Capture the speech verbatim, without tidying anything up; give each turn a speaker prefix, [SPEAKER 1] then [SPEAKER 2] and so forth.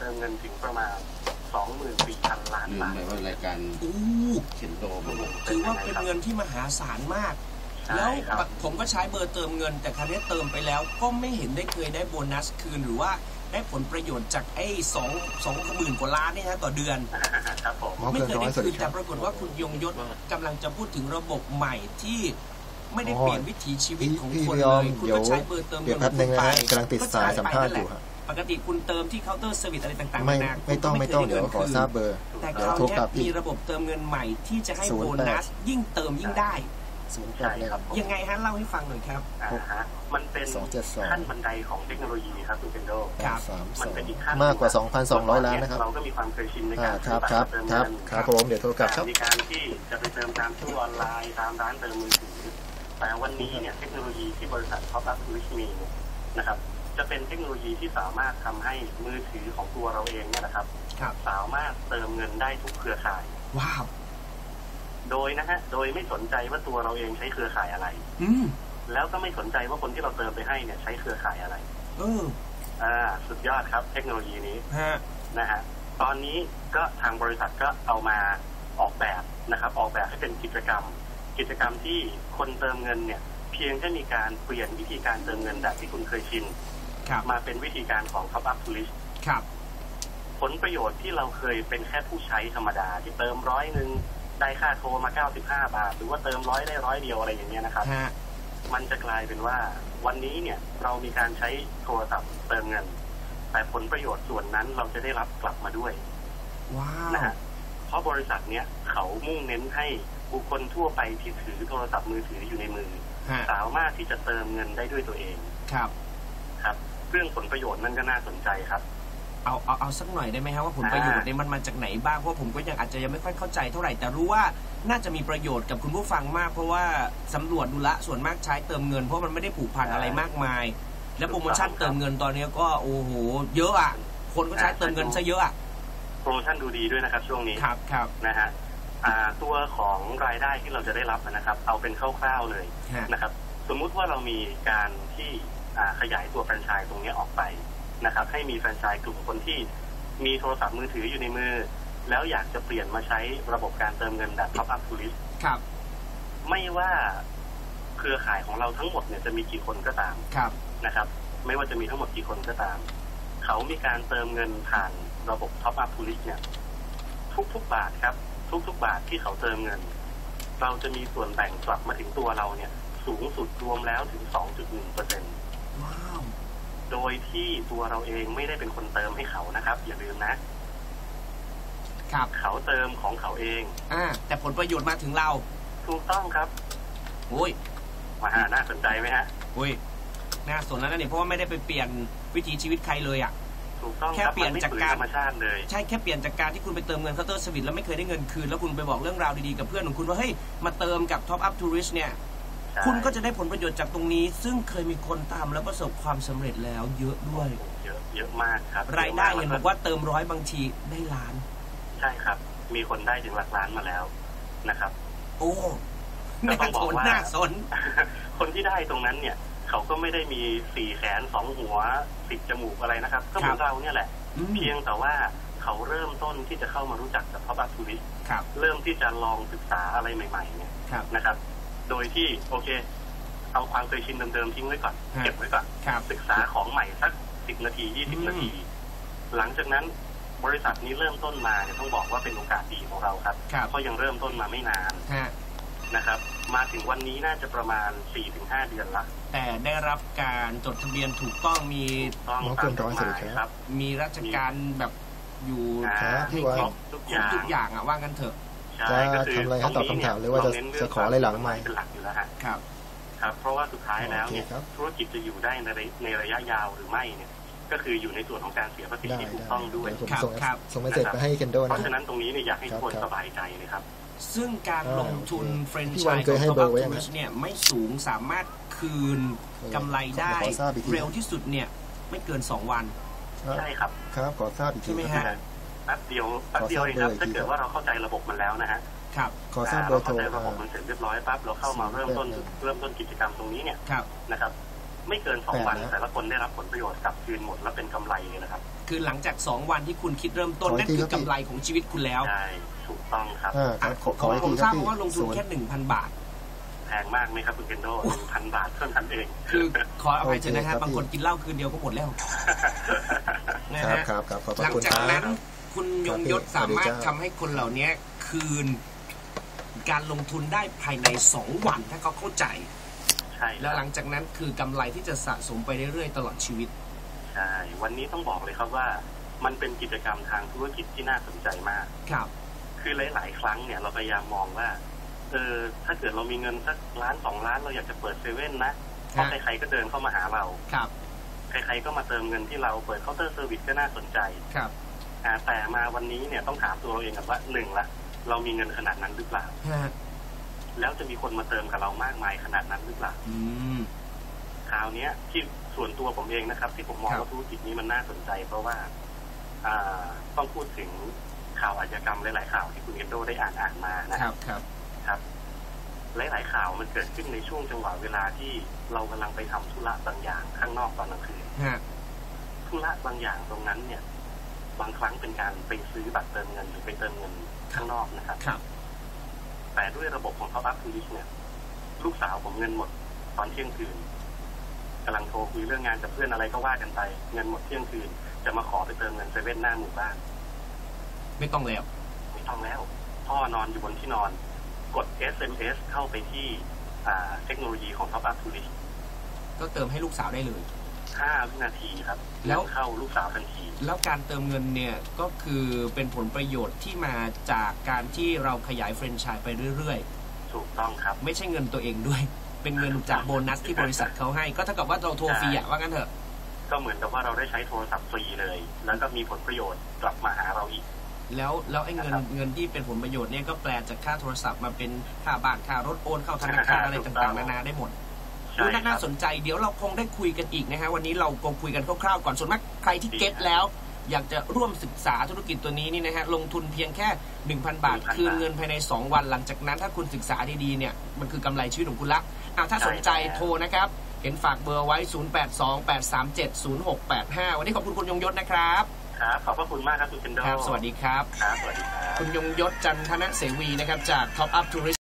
[SPEAKER 1] ติมเงินถึงประมาณ สองหมื่นสี่พัน ล้านบาท
[SPEAKER 2] ในรายการเข็นโดม
[SPEAKER 3] ถือว่าเป็นเงินที่มหาศาลมากแล้วผมก็ใช้เบอร์เติมเงินแต่ครั้นี้เติมไปแล้วก็ไม่เห็นได้เคยได้โบนัสคืนหรือว่าได้ผลประโยชน์จากไอ้สองสองหมื่นกว่าล้านนี่ฮะต่อเดือน
[SPEAKER 1] ครับผม
[SPEAKER 3] ไม่เคยได้คืนแต่ปรากฏว่าคุณยงยศกำลังจะพูดถึงระบบใหม่ที่ไม่ได้เปลี่ยนวิถีชีวิตของคนเลยคุณก็ใช้เบอร์เติมเงิน
[SPEAKER 4] ไปกำลังติดสายสัมภาษณ์อยู่ครับ
[SPEAKER 3] ปกติคุณเติมที่เคาน์เตอร์เซอร์วิสอะไรต่างๆ
[SPEAKER 4] ไม่ไม่ต้องไม่ต้องเดี๋ยวขอทราบเบอร์
[SPEAKER 3] แต่คราวนี้มีระบบเติมเงินใหม่ที่จะให้โบนัสยิ่งเติมยิ่งได้
[SPEAKER 1] ใช่ครับ
[SPEAKER 3] ยังไงฮะเล่าให้ฟังหน่อยครับ
[SPEAKER 1] อ่าฮะมันเป็นขั้นบันไดของเทคโนโลยีครับคุณเคนโดมันเป็นอีกขั้น
[SPEAKER 4] มากกว่า สองพันสองร้อย ล้านนะครับ
[SPEAKER 1] เราก็มีความเคยชินในการ
[SPEAKER 4] ครับครับครับครับผมเดี๋ยวโทรกลับครับ
[SPEAKER 1] มีการที่จะไปเติมตามตู้ออนไลน์ตามร้านเติมมือถือแต่วันนี้เนี่ยเทคโนโลยีที่บริษัท Top Up Tourist มีนะครับจะเป็นเทคโนโลยีที่สามารถทำให้มือถือของตัวเราเองเนี่ยนะครับสามารถเติมเงินได้ทุกเครือข่าย
[SPEAKER 3] ว้าว
[SPEAKER 1] โดยนะฮะโดยไม่สนใจว่าตัวเราเองใช้เครือข่ายอะไร
[SPEAKER 3] อืม
[SPEAKER 1] แล้วก็ไม่สนใจว่าคนที่เราเติมไปให้เนี่ยใช้เครือข่ายอะไร
[SPEAKER 3] เออ
[SPEAKER 1] อ่าสุดยอดครับเทคโนโลยีนี้
[SPEAKER 3] ฮะ
[SPEAKER 1] นะฮะตอนนี้ก็ทางบริษัทก็เอามาออกแบบนะครับออกแบบให้เป็นกิจกรรมกิจกรรมที่คนเติมเงินเนี่ยเพียงแค่มีการเปลี่ยนวิธีการเติมเงินแบบที่คุณเคยชินมาเป็นวิธีการของ Top Up Tourist
[SPEAKER 3] ครับ
[SPEAKER 1] ผลประโยชน์ที่เราเคยเป็นแค่ผู้ใช้ธรรมดาที่เติมร้อยนึงได้ค่าโทรมาเก้าสิบห้าบาทหรือว่าเติมร้อยได้ร้อยเดียวอะไรอย่างเงี้ยนะครับมันจะกลายเป็นว่าวันนี้เนี่ยเรามีการใช้โทรศัพท์เติมเงินแต่ผลประโยชน์ส่วนนั้นเราจะได้รับกลับมาด้วย
[SPEAKER 3] ว้าว
[SPEAKER 1] นะฮะเพราะบริษัทเนี้ยเขามุ่งเน้นให้บุคคลทั่วไปที่ถือโทรศัพท์มือถืออยู่ในมือสามารถที่จะเติมเงินได้ด้วยตัวเอง
[SPEAKER 3] ครับ
[SPEAKER 1] ครับเรื่องผลประโยชน์นั่นก็น่าสนใจครับ
[SPEAKER 3] เอาเอาเอาสักหน่อยได้ไหมครับว่าผลประโยชน์เนี่ยมันมาจากไหนบ้างเพราะผมก็ยังอาจจะยังไม่ค่อยเข้าใจเท่าไหร่แต่รู้ว่าน่าจะมีประโยชน์กับคุณผู้ฟังมากเพราะว่าสำรวจดูละส่วนมากใช้เติมเงินเพราะมันไม่ได้ผูกพันอะไรมากมายและโปรโมชั่นเติมเงินตอนนี้ก็โอ้โหเยอะอ่ะคนก็ใช้เติมเงินซะเยอะอ่ะ
[SPEAKER 1] โปรโมชั่นดูดีด้วยนะครับช่วงนี้
[SPEAKER 3] ครับครับ
[SPEAKER 1] นะฮะตัวของรายได้ที่เราจะได้รับนะครับเอาเป็นคร่าวๆเลยนะครับสมมุติว่าเรามีการที่ขยายตัวแฟรนไชส์ตรงนี้ออกไปนะครับให้มีแฟรนไชส์กลุ่มคนที่มีโทรศัพท์มือถืออยู่ในมือแล้วอยากจะเปลี่ยนมาใช้ระบบการเติมเงินแบบ Top Up Tourist
[SPEAKER 3] ครับ
[SPEAKER 1] ไม่ว่าเครือข่ายของเราทั้งหมดเนี่ยจะมีกี่คนก็ตามนะครับไม่ว่าจะมีทั้งหมดกี่คนก็ตามเขามีการเติมเงินผ่านระบบ Top Up Tourist เนี่ยทุกๆบาทครับทุกๆบาทที่เขาเติมเงินเราจะมีส่วนแบ่งกลับมาถึงตัวเราเนี่ยสูงสุดรวมแล้วถึง สองจุดหนึ่งเปอร์เซ็นต์
[SPEAKER 3] ว้าว
[SPEAKER 1] โดยที่ตัวเราเองไม่ได้เป็นคนเติมให้เขานะครับอย่าลืมนะ
[SPEAKER 3] ครับ
[SPEAKER 1] เขาเติมของเขาเอง
[SPEAKER 3] อ่าแต่ผลประโยชน์มาถึงเรา
[SPEAKER 1] ถูกต้องครับ
[SPEAKER 3] โอ้ย
[SPEAKER 1] มาหาน่าสนใจไหมฮะ
[SPEAKER 3] โอ้ยน่าสนแล้วนะเนี่ยเพราะว่าไม่ได้ไปเปลี่ยนวิถีชีวิตใครเลยอ่ะ
[SPEAKER 1] ถูกต้อง
[SPEAKER 3] แค่เปลี่ยนจากการ
[SPEAKER 1] ธรรมชาติเลย
[SPEAKER 3] ใช่แค่เปลี่ยนจากการที่คุณไปเติมเงินเคาน์เตอร์เซอร์วิสแล้วไม่เคยได้เงินคืนแล้วคุณไปบอกเรื่องราวดีๆกับเพื่อนของคุณว่าเฮ้ยมาเติมกับ Top Up Tourist เนี่ยคุณก็จะได้ผลประโยชน์จากตรงนี้ซึ่งเคยมีคนทำแล้วประสบความสำเร็จแล้วเยอะด้วย
[SPEAKER 1] เยอะเยอะมากครับ
[SPEAKER 3] รายได้เห็นบอกว่าเติมร้อยบางทีได้ล้าน
[SPEAKER 1] ใช่ครับมีคนได้ถึงหลักล้านมาแล้วนะครับ
[SPEAKER 3] โอ้น่าสนน่าสน
[SPEAKER 1] คนที่ได้ตรงนั้นเนี่ยเขาก็ไม่ได้มีสี่แขนสองหัวสิบจมูกอะไรนะครับก็เหมือนเราเนี่ยแหละเพียงแต่ว่าเขาเริ่มต้นที่จะเข้ามารู้จักกับ Top Up Tourist เริ่มที่จะลองศึกษาอะไรใหม่ๆเนี่ยนะครับโดยที่โอเคเอาความเคยชินเดิมๆทิ้งไว้ก่อนเก็บไว้ก่อนศึกษาของใหม่สักสิบนาทียี่สิบนาทีหลังจากนั้นบริษัทนี้เริ่มต้นมาเนี่ยต้องบอกว่าเป็นโอกาสดีของเราครับเพราะยังเริ่มต้นมาไม่นานนะครับมาถึงวันนี้น่าจะประมาณ สี่ถึงห้า เดือนละ
[SPEAKER 3] แต่ได้รับการจดทะเบียนถูกต้องมี
[SPEAKER 1] ต้องตามกฎหมายครับ
[SPEAKER 3] มีราชการแบบอยู่
[SPEAKER 4] ที่ว่า
[SPEAKER 3] ทุกอย่างทุกอย่างอ่ะว่ากันเถอะ
[SPEAKER 4] จะทำอะไรให้ตอบคำถามหรือว่าจะจะขออะไรหลังใหม่
[SPEAKER 1] เป็นหลักอยู่แล้วฮะ
[SPEAKER 3] ครับ
[SPEAKER 1] ครับเพราะว่าสุดท้ายแล้วเนี่ยธุรกิจจะอยู่ได้ในในระยะยาวหรือไม่เนี่ยก็คืออยู่ในส่วนของการเสียภาษีที่ถูกต้องด้วย
[SPEAKER 4] ครับส่งเมสเสจไปให้เคนโดนะ
[SPEAKER 1] เพราะฉะนั้นตรงนี้เนี่ยอยากให้ทุกคนสบายใจเลยครับ
[SPEAKER 3] ซึ่งการลงทุนแฟรนไชส์ของ Top Up Tourist เนี่ยไม่สูงสามารถคืนกำไรได้เร็วที่สุดเนี่ยไม่เกินสองวัน
[SPEAKER 1] ใช่ครับ
[SPEAKER 4] ครับขอทราบอีกที
[SPEAKER 3] ใช่ไหมฮะ
[SPEAKER 1] แป๊บเดียวแป๊บเดียวเองครับถ้าเกิดว่าเราเข้าใจระบบมันแล้วนะฮะ
[SPEAKER 3] ครับ
[SPEAKER 4] ขอทราบเบอร์โทร
[SPEAKER 1] ระบบมันเสร็จเรียบร้อยปั๊บเราเข้ามาเริ่มต้นเริ่มต้นกิจกรรมตรงนี้เนี่ยนะครับไม่เกินสองวันแต่ละคนได้รับผลประโยชน์กลับคืนหมดแล้วเป็นกำไรเลยนะครับ
[SPEAKER 3] คือหลังจากสองวันที่คุณคิดเริ่มต้นนั่นคือกำไรของชีวิตคุณแล้ว
[SPEAKER 1] ใช่ถูกต้องครับ
[SPEAKER 3] ผมทราบว่าลงทุนแค่หนึ่งพันบาท
[SPEAKER 1] แพงมากไหมครับคุณเคนโดหนึ่งพันบาทเท่านั้นเอง
[SPEAKER 3] คือขออภัยเถอะนะครับบางคนกินเหล้าคืนเดียวก็หมดแล้วนะฮะหลังจากนั้นคุณยงยศสามารถทำให้คนเหล่านี้คืนการลงทุนได้ภายในสองวันถ้าเขาเข้าใจ
[SPEAKER 1] ใช่
[SPEAKER 3] แล้วหลังจากนั้นคือกำไรที่จะสะสมไปเรื่อยๆตลอดชีวิต
[SPEAKER 1] ใช่วันนี้ต้องบอกเลยครับว่ามันเป็นกิจกรรมทางธุรกิจที่น่าสนใจมาก
[SPEAKER 3] ครับ
[SPEAKER 1] คือหลายๆครั้งเนี่ยเราพยายามมองว่าเออถ้าเกิดเรามีเงินสักล้านสองล้านเราอยากจะเปิดเซเว่นนะเพราะใครๆก็เดินเข้ามาหาเรา
[SPEAKER 3] ครับ
[SPEAKER 1] ใครๆก็มาเติมเงินที่เราเปิดเคาน์เตอร์เซอร์วิสก็น่าสนใจ
[SPEAKER 3] ครับ
[SPEAKER 1] แต่มาวันนี้เนี่ยต้องถามตัวเราเองกันว่าหนึ่งละเรามีเงินขนาดนั้นหรือเปล่าแล้วจะมีคนมาเติมกับเรามากมายขนาดนั้นหรือเปล่าคราวนี้ที่ส่วนตัวผมเองนะครับที่ผมมองว่าธุรกิจนี้มันน่าสนใจเพราะว่าต้องพูดถึงข่าวอาชญากรรมหลายๆข่าวที่คุณเอนโดได้อ่านอ่านมา
[SPEAKER 3] นะครับครับ
[SPEAKER 1] ครับหลายๆข่าวมันเกิดขึ้นในช่วงจังหวะเวลาที่เรากำลังไปทำธุระบางอย่างข้างนอกตอนกลางคืนธุระบางอย่างตรงนั้นเนี่ยบางครั้งเป็นการไปซื้อบัตรเติมเงินหรือไปเติมเงินข้างนอกนะครับแต่ด้วยระบบของ Top Up Tourist เนี่ยลูกสาวผมเงินหมดตอนเที่ยงคืนกำลังโทรคุยเรื่องงานกับเพื่อนอะไรก็ว่ากันไปเงินหมดเที่ยงคืนจะมาขอไปเติมเงินเซเว่นหน้าหมู่บ้าน
[SPEAKER 3] ไม่ต้องแล้ว
[SPEAKER 1] ไม่ต้องแล้วพ่อนอนอยู่บนที่นอนกด เอส เอ็ม เอส เข้าไปที่เทคโนโลยีของ Top Up Tourist
[SPEAKER 3] ก็เติมให้ลูกสาวได้เลย
[SPEAKER 1] ห้าวินาทีครับแล้วเข้าลูกสาวทันที
[SPEAKER 3] แล้วการเติมเงินเนี่ยก็คือเป็นผลประโยชน์ที่มาจากการที่เราขยายแฟรนไชส์ไปเรื่อย
[SPEAKER 1] ๆถูกต้องครับ
[SPEAKER 3] ไม่ใช่เงินตัวเองด้วยเป็นเงินจากโบนัสที่บริษัทเขาให้ก็เท่ากับว่าเราโทรฟรีอะว่างั้นเถอะ
[SPEAKER 1] ก็เหมือนกับว่าเราได้ใช้โทรศัพท์ฟรีเลยแล้วก็มีผลประโยชน์กลับมาหาเราอีก
[SPEAKER 3] แล้วแล้วไอ้เงินเงินที่เป็นผลประโยชน์เนี่ยก็แปลจากค่าโทรศัพท์มาเป็นค่าบ้านค่ารถโอนเข้าธนาคารอะไรต่างๆนานาได้หมดดูน่าสนใจเดี๋ยวเราคงได้คุยกันอีกนะฮะวันนี้เราคงคุยกันคร่าวๆก่อนส่วนมากใครที่เก็ตแล้วอยากจะร่วมศึกษาธุรกิจตัวนี้นี่นะฮะลงทุนเพียงแค่ หนึ่งพัน บาทคืนเงินภายในสองวันหลังจากนั้นถ้าคุณศึกษาดีๆเนี่ยมันคือกำไรชีวิตของคุณละอ่ะถ้าสนใจโทรนะครับเห็นฝากเบอร์ไว้ศูนย์ แปด สอง แปด สาม เจ็ด ศูนย์ หก แปด ห้าวันนี้ขอบคุณคุณยงยศนะครับ
[SPEAKER 1] ครับขอบพระคุณมากครับคุณเคนโด
[SPEAKER 3] ครับสวัสดีครับ
[SPEAKER 1] ครับสวัสดีครับ
[SPEAKER 3] คุณยงยศจันทนเสวีนะครับจาก Top Up Tourist